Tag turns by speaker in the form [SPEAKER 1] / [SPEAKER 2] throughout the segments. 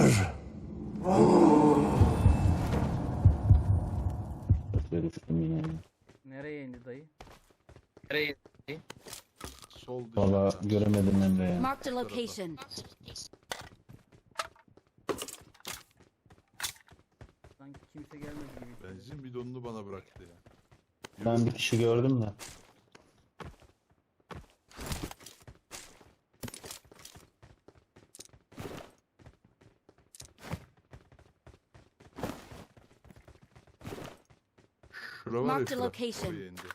[SPEAKER 1] Düştüm yine.
[SPEAKER 2] Nereye indi dayı?
[SPEAKER 3] Sol dışarı.
[SPEAKER 1] Valla göremedim Emre ya.
[SPEAKER 4] Marked a location.
[SPEAKER 2] Sanki kimse gelmedi gibi.
[SPEAKER 3] Benzin bidonunu bana bıraktı ya.
[SPEAKER 1] Ben bir kişi gördüm de.
[SPEAKER 3] Şura var ya
[SPEAKER 4] Marked a
[SPEAKER 3] şura.
[SPEAKER 4] location.
[SPEAKER 3] Oraya indi.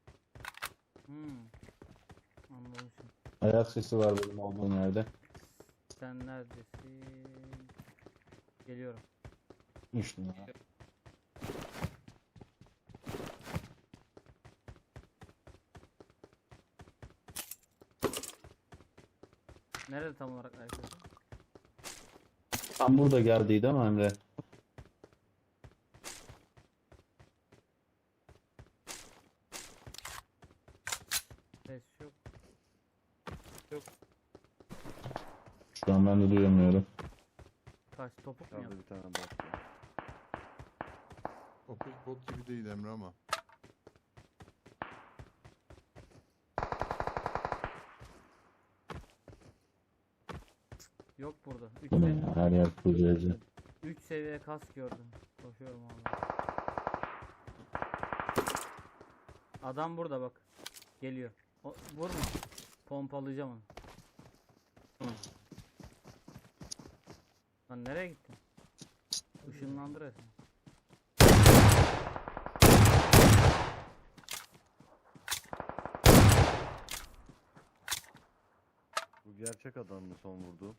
[SPEAKER 2] Anladım.
[SPEAKER 1] Ayak sesi var benim olduğum yerde.
[SPEAKER 2] Sen neredesin? Geliyorum.
[SPEAKER 1] Düştüm ya.
[SPEAKER 2] Nerede tam olarak arkadaşlar?
[SPEAKER 1] Tam burada geldiydi ama Emre.
[SPEAKER 2] Ses yok.
[SPEAKER 1] Şu an ben de duyamıyorum.
[SPEAKER 2] Kaç topuk mu
[SPEAKER 5] Şurada
[SPEAKER 2] yaptı?
[SPEAKER 5] bir tane bot var.
[SPEAKER 3] O pek bot gibi değil Emre ama.
[SPEAKER 2] Yok burada. 3
[SPEAKER 1] Bu ne
[SPEAKER 2] seviye,
[SPEAKER 1] ya? Her yer kuzeyci.
[SPEAKER 2] 3 seviye kas gördüm. Koşuyorum abi. Adam burada bak. Geliyor. Vurma. Pompalayacağım onu. Lan nereye gittin? Işınlandı resmen.
[SPEAKER 5] Bu gerçek adam mı son vurdu?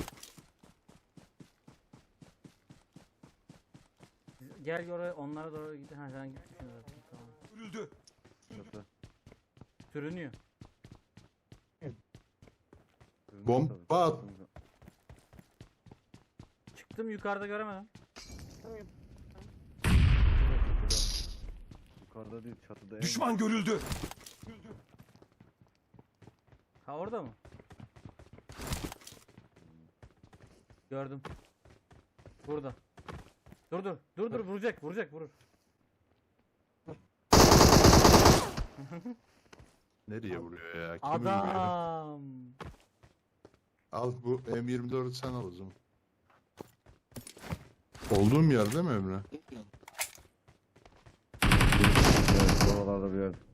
[SPEAKER 2] Gel oraya, onlara doğru git. Ha sen gitmişsin zaten. Tamam.
[SPEAKER 5] Çatı.
[SPEAKER 2] Sürünüyor.
[SPEAKER 3] Bomba at.
[SPEAKER 2] Çıktım yukarıda göremedim.
[SPEAKER 5] Yukarıda değil çatıda.
[SPEAKER 6] Düşman görüldü.
[SPEAKER 2] Ha orada mı? Gördüm. Burada. Dur vurur.
[SPEAKER 3] Nereye vuruyor ya? Kim vuruyor?
[SPEAKER 2] Adam.
[SPEAKER 3] Al bu M24'ü sen al o zaman. Olduğum yer değil mi Emre?
[SPEAKER 5] Evet, oralarda bir yer.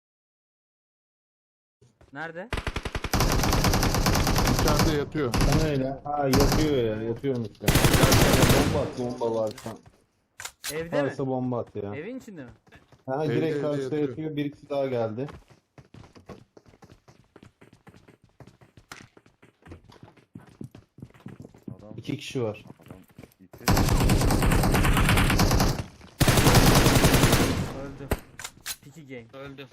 [SPEAKER 2] Nerede?
[SPEAKER 3] İçeride yatıyor.
[SPEAKER 1] Sen öyle. Ha yatıyor ya. Yatıyorum işte. Bomba at. Bomba varsa.
[SPEAKER 2] Evde mi?
[SPEAKER 1] Varsa bomba at ya.
[SPEAKER 2] Evin içinde mi?
[SPEAKER 1] Ha
[SPEAKER 3] Evde,
[SPEAKER 1] direkt
[SPEAKER 3] evde
[SPEAKER 1] karşıda
[SPEAKER 3] yatıyor.
[SPEAKER 1] yatıyor. Bir ikisi daha geldi.
[SPEAKER 5] Adam.
[SPEAKER 1] İki kişi var.
[SPEAKER 5] Adam gitti.
[SPEAKER 2] Öldü. Piki game.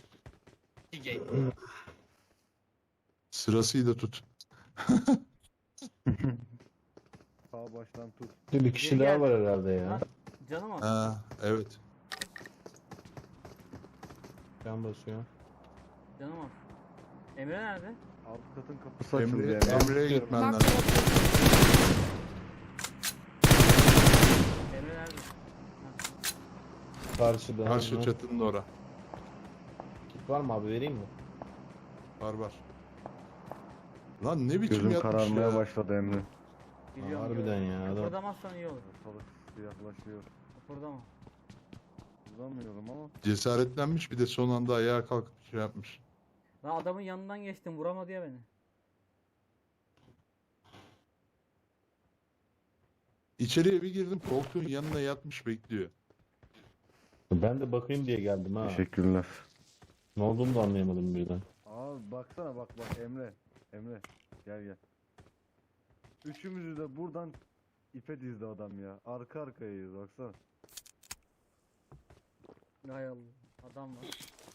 [SPEAKER 3] Sırasıyla tut.
[SPEAKER 5] Sağ baştan tut.
[SPEAKER 1] Bir kişi
[SPEAKER 2] Biri
[SPEAKER 1] daha
[SPEAKER 2] geldi.
[SPEAKER 1] var herhalde ya.
[SPEAKER 2] Lan, canım az.
[SPEAKER 3] Ha evet.
[SPEAKER 1] Can basıyor.
[SPEAKER 2] Canım az. Emre nerede?
[SPEAKER 5] Alt katın kapısı açıldı
[SPEAKER 3] Emre,
[SPEAKER 5] yani.
[SPEAKER 3] Emre'ye gitmen
[SPEAKER 4] Marked a
[SPEAKER 3] lazım.
[SPEAKER 4] location.
[SPEAKER 2] Emre nerede?
[SPEAKER 1] Karşıda.
[SPEAKER 3] Karşı
[SPEAKER 1] Hı.
[SPEAKER 3] çatının ora.
[SPEAKER 1] Kit var mı abi, vereyim mi?
[SPEAKER 3] Var. Lan ne biçim
[SPEAKER 5] Gözüm
[SPEAKER 3] yatmış
[SPEAKER 5] kararmaya
[SPEAKER 3] ya.
[SPEAKER 5] başladı Emre.
[SPEAKER 2] Biliyorum,
[SPEAKER 1] harbiden
[SPEAKER 2] gördüm.
[SPEAKER 1] ya, adam.
[SPEAKER 2] Kıpırdamazsan iyi olur.
[SPEAKER 5] Ortalık siyahlaşıyor.
[SPEAKER 2] Kıpırdama.
[SPEAKER 5] Uzamıyorum ama.
[SPEAKER 3] Cesaretlenmiş bir de son anda ayağa kalkıp şey yapmış.
[SPEAKER 2] Lan adamın yanından geçtim, vuramadı ya beni.
[SPEAKER 3] İçeriye bir girdim, koltuğun yanına yatmış bekliyor.
[SPEAKER 1] Ben de bakayım diye geldim ha.
[SPEAKER 5] Teşekkürler.
[SPEAKER 1] Ne olduğunu da anlayamadım birden.
[SPEAKER 5] Abi baksana bak Emre. Emre gel. Üçümüzü de buradan ipe dizdi adam ya. Arka arkayayız baksana.
[SPEAKER 2] Hay Allah. Adam var.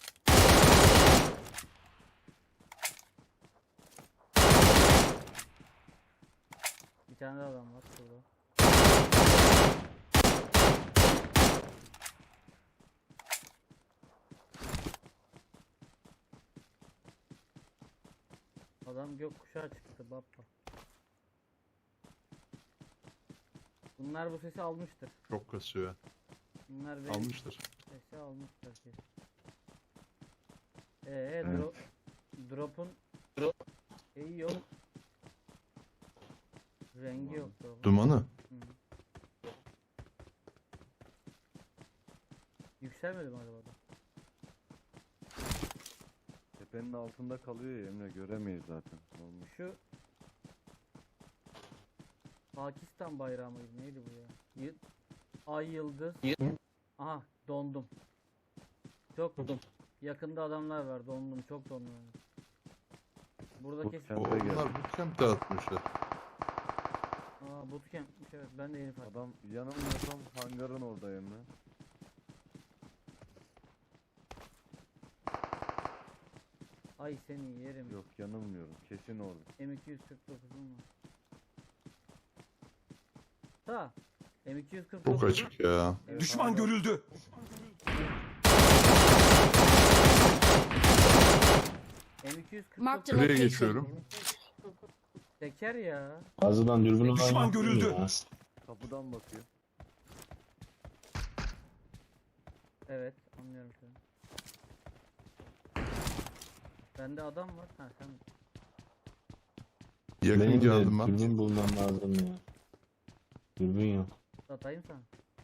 [SPEAKER 2] Bir tane daha adam var şurada. Adam gökkuşağı çıktı baba. Bunlar bu sesi almıştır.
[SPEAKER 3] Çok kasıyor.
[SPEAKER 2] Bunlar benim
[SPEAKER 3] Almıştır.
[SPEAKER 2] sesi almıştır ki.
[SPEAKER 5] Evet.
[SPEAKER 2] Drop'un şeyi yok. Rengi yok drop'un.
[SPEAKER 3] Dumanı.
[SPEAKER 2] Hı. Yükselmedi mi acaba da?
[SPEAKER 5] Tepenin altında kalıyor ya Emre, göremeyiz zaten. Normal.
[SPEAKER 2] Şu Pakistan bayrağı mıydı? Neydi bu ya? Ay yıldız. Aha dondum. Çok yakında adamlar var. Dondum. Çok dondum. Burada
[SPEAKER 5] Bu
[SPEAKER 2] kesin.
[SPEAKER 5] Camp- Campe
[SPEAKER 3] Onlar bootcamp dağıtmışlar.
[SPEAKER 2] Aa bootcamp'miş evet. Ben de yeni fark ettim.
[SPEAKER 5] Adam yanılmıyorsam hangarın orada Emre.
[SPEAKER 2] Ay seni yerim.
[SPEAKER 5] Yok, yanılmıyorum. Kesin orada.
[SPEAKER 2] M249'um var. Ta. M249.
[SPEAKER 3] Çok açık ya.
[SPEAKER 5] Evet,
[SPEAKER 4] Düşman
[SPEAKER 5] hangar-
[SPEAKER 4] görüldü.
[SPEAKER 2] M249
[SPEAKER 6] Marked a
[SPEAKER 3] Nereye
[SPEAKER 6] location.
[SPEAKER 3] geçiyorum?
[SPEAKER 2] teker ya.
[SPEAKER 1] Fazladan dürbünü
[SPEAKER 4] Düşman
[SPEAKER 1] var
[SPEAKER 4] görüldü.
[SPEAKER 1] ya.
[SPEAKER 5] Kapıdan bakıyor.
[SPEAKER 2] Evet anlıyorum şu an. Bende adam var. Ha sen
[SPEAKER 3] Yakın
[SPEAKER 1] Benim de
[SPEAKER 3] geldim ben.
[SPEAKER 1] dürbün bulmam lazım ya. Dürbün yok.
[SPEAKER 2] atayım sana.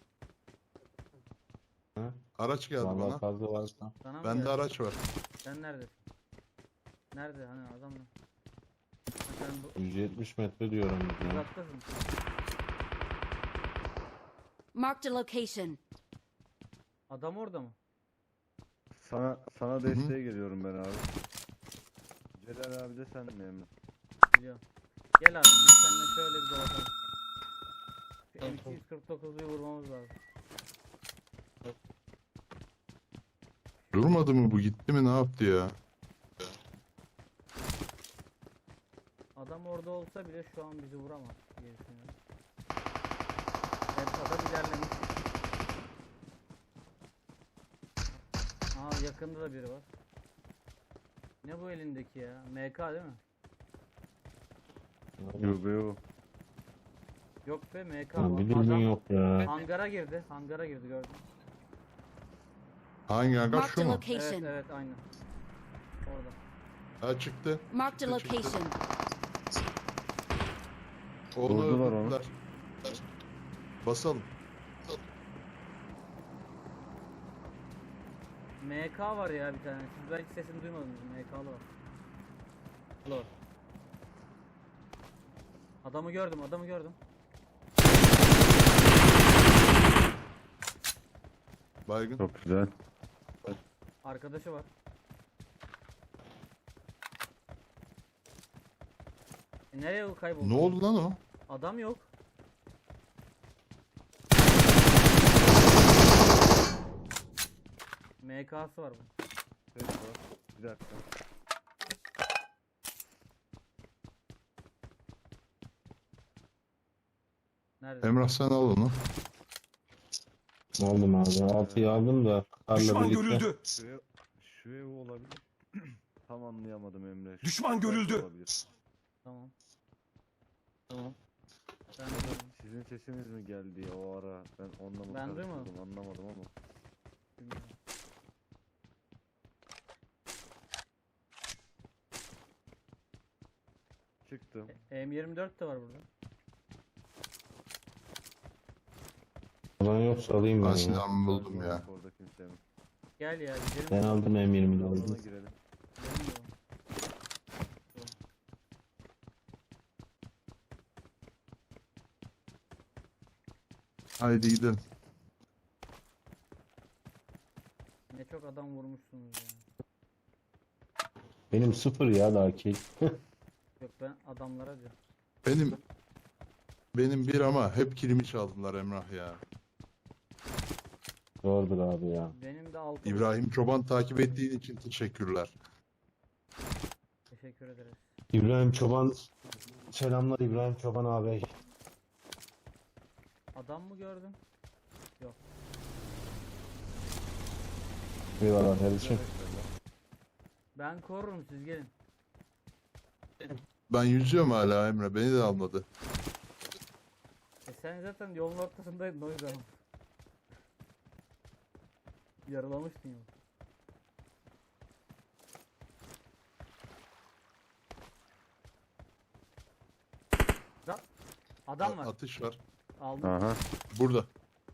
[SPEAKER 3] Araç geldi
[SPEAKER 1] Vallahi
[SPEAKER 3] bana.
[SPEAKER 1] fazla varsa.
[SPEAKER 2] Sana mı
[SPEAKER 3] Bende
[SPEAKER 2] geldi?
[SPEAKER 3] araç var.
[SPEAKER 2] Sen neredesin? Nerede hani adam mı? Ha, sen bu
[SPEAKER 1] 170 metre diyorum ya.
[SPEAKER 2] uzaktasın.
[SPEAKER 6] Marked a location.
[SPEAKER 2] Adam orada mı?
[SPEAKER 5] Sana desteğe geliyorum ben abi. Celal abi de sen mi Emre?
[SPEAKER 2] Biliyorum. Gel abi biz seninle şöyle bir dolaşalım. Şu M249'u vurmamız lazım.
[SPEAKER 3] Durmadı mı bu? Gitti mi? Ne yaptı ya?
[SPEAKER 2] Adam orada olsa bile şu an bizi vuramaz diye düşünüyorum. Evet adam ilerlemiş. Aa yakında da biri var. Ne bu elindeki ya? MK değil mi?
[SPEAKER 5] Yok yok.
[SPEAKER 2] Yok be MK
[SPEAKER 1] Ya,
[SPEAKER 2] var.
[SPEAKER 1] bir dürbün
[SPEAKER 2] Adam
[SPEAKER 1] yok ya.
[SPEAKER 2] hangara girdi. Hangara girdi gördüm.
[SPEAKER 3] Hangi hangar
[SPEAKER 6] Marked
[SPEAKER 3] şu
[SPEAKER 6] a
[SPEAKER 3] mu?
[SPEAKER 2] Evet
[SPEAKER 6] location.
[SPEAKER 2] evet aynen. Orada.
[SPEAKER 3] Ha çıktı.
[SPEAKER 6] Marked a
[SPEAKER 3] Çıktı, çıktı.
[SPEAKER 6] location.
[SPEAKER 3] Onu
[SPEAKER 5] Vurdular onu.
[SPEAKER 3] öldürdüler. Basalım.
[SPEAKER 2] MK var ya bir tane. Siz belki sesini duymadınız. MK'lı var. Var. Adamı gördüm, adamı gördüm.
[SPEAKER 3] Baygın.
[SPEAKER 5] Çok güzel.
[SPEAKER 2] Arkadaşı var. Nereye o kayboldu?
[SPEAKER 3] Ne oldu lan o?
[SPEAKER 2] Adam yok. MK'sı var bunun.
[SPEAKER 5] Ses var. Bir dakika.
[SPEAKER 2] Nerede?
[SPEAKER 3] Emrah sen al onu.
[SPEAKER 1] Aldım abi. 6'yı aldım da karla
[SPEAKER 4] Düşman
[SPEAKER 1] birlikte.
[SPEAKER 4] görüldü.
[SPEAKER 5] Şu ev olabilir. Tam anlayamadım Emre. Şu
[SPEAKER 4] Düşman
[SPEAKER 5] ev
[SPEAKER 4] görüldü.
[SPEAKER 5] olabilir.
[SPEAKER 2] Tamam. Tamam. Ben de gördüm.
[SPEAKER 5] Sizin sesiniz mi geldi ya o ara? Ben onunla mı
[SPEAKER 2] Ben
[SPEAKER 5] karıştırdım,
[SPEAKER 2] duymadım.
[SPEAKER 5] anlamadım ama.
[SPEAKER 2] Bilmiyorum.
[SPEAKER 5] Çıktım.
[SPEAKER 2] M24 de var burada.
[SPEAKER 1] Ulan yoksa alayım
[SPEAKER 3] Ben
[SPEAKER 1] ben ya.
[SPEAKER 3] silahımı buldum ya.
[SPEAKER 5] Orada kimse mi?
[SPEAKER 2] Gel ya gidelim.
[SPEAKER 1] Ben aldım M20'de
[SPEAKER 5] Alana
[SPEAKER 1] aldım.
[SPEAKER 5] girelim.
[SPEAKER 2] Gidelim de.
[SPEAKER 3] Haydi gidelim.
[SPEAKER 2] Ne çok adam vurmuşsunuz ya.
[SPEAKER 1] Benim 0 ya daha ki.
[SPEAKER 2] Yok ben adamlara diyorum.
[SPEAKER 3] Benim bir ama hep kilimi çaldılar Emrah ya.
[SPEAKER 1] Doğrudur abi ya.
[SPEAKER 2] Benim de 6.
[SPEAKER 3] İbrahim Çoban takip ettiğin için teşekkürler.
[SPEAKER 2] Teşekkür ederiz.
[SPEAKER 1] İbrahim Çoban. Selamlar İbrahim Çoban abi.
[SPEAKER 2] Adam mı gördün?
[SPEAKER 1] Eyvallah kardeşim.
[SPEAKER 2] Ben korurum siz gelin.
[SPEAKER 3] Ben yüzüyorum hala Emre. Beni de almadı.
[SPEAKER 2] Sen zaten yolun ortasındaydın o yüzden. Yaralamıştın ya. Adam var.
[SPEAKER 3] Atış var.
[SPEAKER 2] Aldım.
[SPEAKER 5] Aha.
[SPEAKER 3] Burada.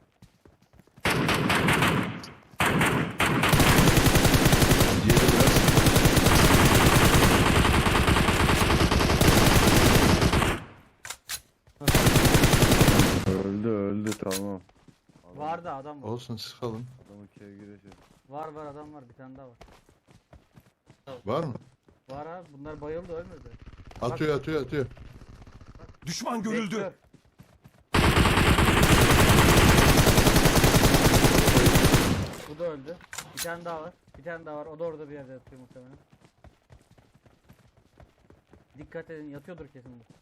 [SPEAKER 3] Diğeri biraz.
[SPEAKER 5] Öldü tamam.
[SPEAKER 2] Var da adam var.
[SPEAKER 3] Olsun sıkalım.
[SPEAKER 5] Adamın kevgiresi.
[SPEAKER 2] Var adam var. Bir tane daha var.
[SPEAKER 3] Var mı?
[SPEAKER 2] Var abi. Bunlar bayıldı ölmedi.
[SPEAKER 3] Atıyor.
[SPEAKER 4] Düşman görüldü.
[SPEAKER 2] Vektör. Bu da öldü. Bir tane daha var. Bir tane daha var. O da orada bir yerde yatıyor muhtemelen. Dikkat edin. Yatıyordur kesin bu.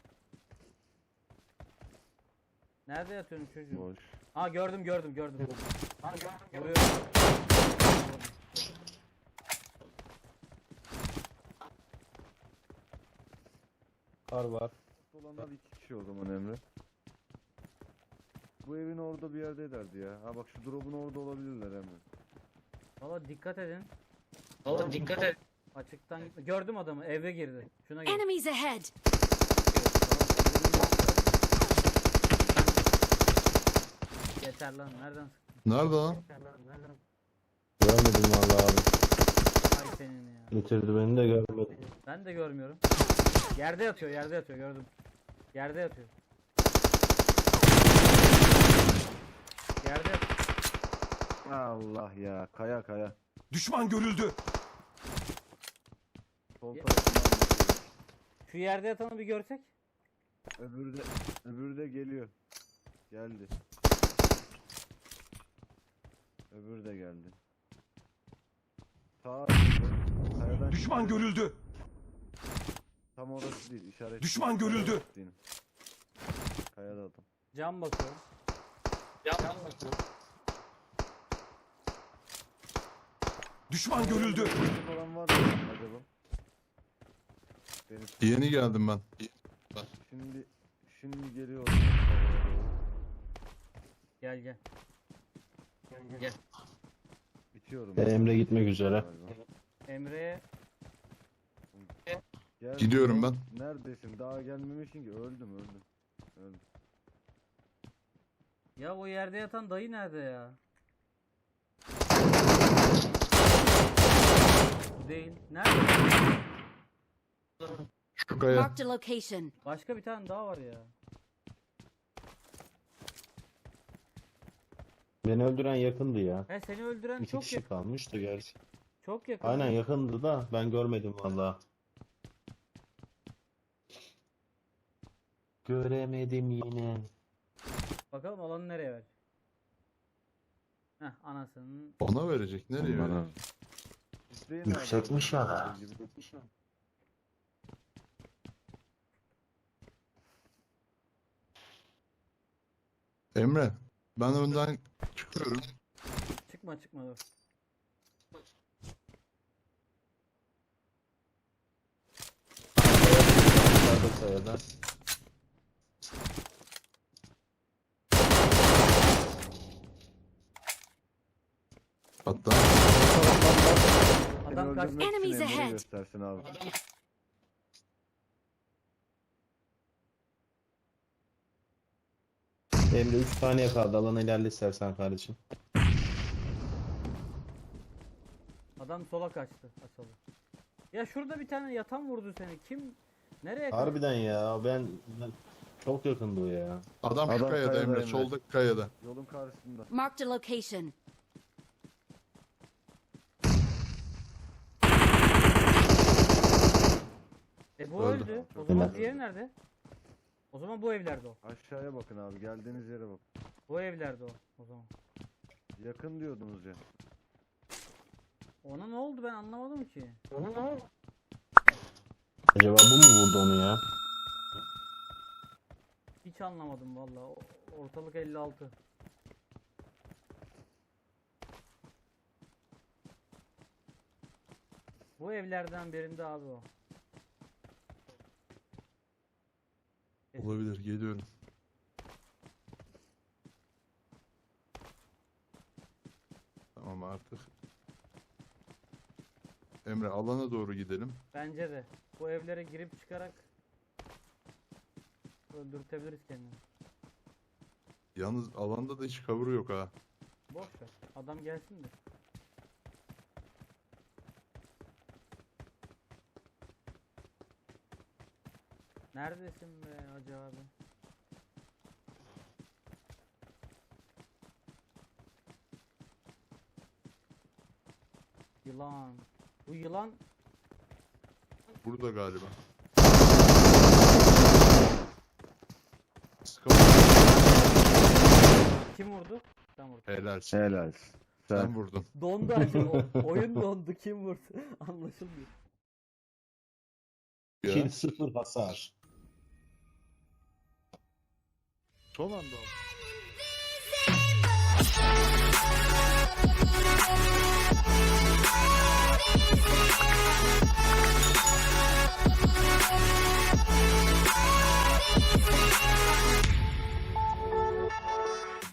[SPEAKER 2] Nerede yatıyorsun çocuğum?
[SPEAKER 5] Boş.
[SPEAKER 2] Ha gördüm. Vuruyorum.
[SPEAKER 1] Kar var.
[SPEAKER 5] Olanlar 2 kişi o zaman Emre. Bu evin orada bir yerde ederdi ya. Ha bak şu drop'un orada olabilirler Emre.
[SPEAKER 2] Valla dikkat edin. Açıktan gitme. Gördüm adamı. Eve girdi. Şuna gir.
[SPEAKER 6] Enemies ahead!
[SPEAKER 2] Yeter lan. Nereden sıktın?
[SPEAKER 3] Nerede lan?
[SPEAKER 1] Görmedim vallahi abi.
[SPEAKER 2] Ay senin ya.
[SPEAKER 1] Getirdi beni de görmedim.
[SPEAKER 2] Ben de görmüyorum. Yerde yatıyor gördüm. Yerde yatıyor. Yerde yatıyor.
[SPEAKER 5] Allah ya. Kaya.
[SPEAKER 4] Düşman görüldü.
[SPEAKER 5] Sol
[SPEAKER 2] Ya-
[SPEAKER 5] tarafından bakıyor.
[SPEAKER 2] Şu yerde yatanı bir görsek.
[SPEAKER 5] Öbürü de geliyor. Geldi. Öbürü de geldi. Sağ kayadan
[SPEAKER 4] Düşman
[SPEAKER 5] çıkıyor.
[SPEAKER 4] görüldü.
[SPEAKER 5] Tam orası değil işaret.
[SPEAKER 4] Düşman görüldü.
[SPEAKER 5] Kayada adam.
[SPEAKER 2] Cam bakıyorum.
[SPEAKER 4] Düşman görüldü.
[SPEAKER 5] Birisi falan var mı acaba? Deniz.
[SPEAKER 3] Yeni geldim ben.
[SPEAKER 5] Şimdi geliyor.
[SPEAKER 2] Gel.
[SPEAKER 5] Bitiyorum.
[SPEAKER 1] Emre gitmek üzere.
[SPEAKER 5] Galiba.
[SPEAKER 2] Emre'ye
[SPEAKER 5] Gel.
[SPEAKER 3] Gidiyorum ben.
[SPEAKER 5] Neredesin? Daha gelmemişsin ki. Öldüm.
[SPEAKER 2] ya o yerde yatan dayı nerede ya? Bu değil. Nerede?
[SPEAKER 3] Şu kaya.
[SPEAKER 6] Marked a location.
[SPEAKER 2] Başka bir tane daha var ya.
[SPEAKER 1] Beni öldüren yakındı ya.
[SPEAKER 2] He seni öldüren
[SPEAKER 1] İki
[SPEAKER 2] çok
[SPEAKER 1] kişi
[SPEAKER 2] yakın.
[SPEAKER 1] kalmıştı gerçi.
[SPEAKER 2] Çok yakın.
[SPEAKER 1] Aynen yakındı da ben görmedim vallahi. Göremedim yine.
[SPEAKER 2] Bakalım alanı nereye ver. Heh anasının.
[SPEAKER 3] Ona verecek. Nereye
[SPEAKER 5] Bana.
[SPEAKER 3] verecek?
[SPEAKER 5] İsteyin
[SPEAKER 1] Yüksekmiş
[SPEAKER 5] abi.
[SPEAKER 1] ya.
[SPEAKER 3] Emre. Ben önden çıkıyorum.
[SPEAKER 2] Çıkma dur.
[SPEAKER 1] Yukarıda kayada.
[SPEAKER 3] Hatta
[SPEAKER 5] Seni
[SPEAKER 2] Adam kaç.
[SPEAKER 5] öldürmek için
[SPEAKER 6] Enemies
[SPEAKER 5] Emre'yi
[SPEAKER 6] ahead.
[SPEAKER 5] göstersin abi.
[SPEAKER 1] Emre 3 saniye kaldı. Alana ilerle istersen kardeşim.
[SPEAKER 2] Adam sola kaçtı. Asalı. Ya şurada bir tane yatan vurdu seni. Kim? Nereye kaçtı?
[SPEAKER 1] Harbiden ya ben çok yakındı o ya.
[SPEAKER 3] adam şu
[SPEAKER 5] Adam
[SPEAKER 3] kayada
[SPEAKER 5] kayada
[SPEAKER 3] Emre.
[SPEAKER 5] Emre.
[SPEAKER 3] Soldaki kayada.
[SPEAKER 5] Yolun karşısında.
[SPEAKER 6] Marked a location.
[SPEAKER 2] Bu
[SPEAKER 3] Öldü.
[SPEAKER 2] öldü. O
[SPEAKER 5] Çok
[SPEAKER 2] zaman
[SPEAKER 1] öldü.
[SPEAKER 2] diğeri nerede? O zaman bu evlerde o.
[SPEAKER 5] Aşağıya bakın abi. Geldiğiniz yere bak.
[SPEAKER 2] Bu evlerde o zaman.
[SPEAKER 5] Yakın diyordunuz ya.
[SPEAKER 2] Ona ne oldu ben anlamadım ki.
[SPEAKER 1] Acaba bu mu vurdu onu ya?
[SPEAKER 2] Hiç anlamadım valla. Ortalık 56. Bu evlerden birinde abi o.
[SPEAKER 3] Olabilir. Geliyorum. artık. Emre alana doğru gidelim.
[SPEAKER 2] Bence de. Bu evlere girip çıkarak öldürtebiliriz kendini.
[SPEAKER 3] Yalnız alanda da hiç cover yok ha.
[SPEAKER 2] Boş ver. Adam gelsin de. Neredesin be Hacı abi? Yılan. Bu yılan
[SPEAKER 3] Burada galiba.
[SPEAKER 2] kim vurdu? Sen vurdun.
[SPEAKER 3] Helalsin.
[SPEAKER 5] Helal.
[SPEAKER 3] Sen vurdun.
[SPEAKER 2] Dondu Hacı. Oyun dondu. Kim vurdu? Anlaşılmıyor.
[SPEAKER 3] Ya.
[SPEAKER 1] Kill 0 hasar.
[SPEAKER 3] Son anda aldım.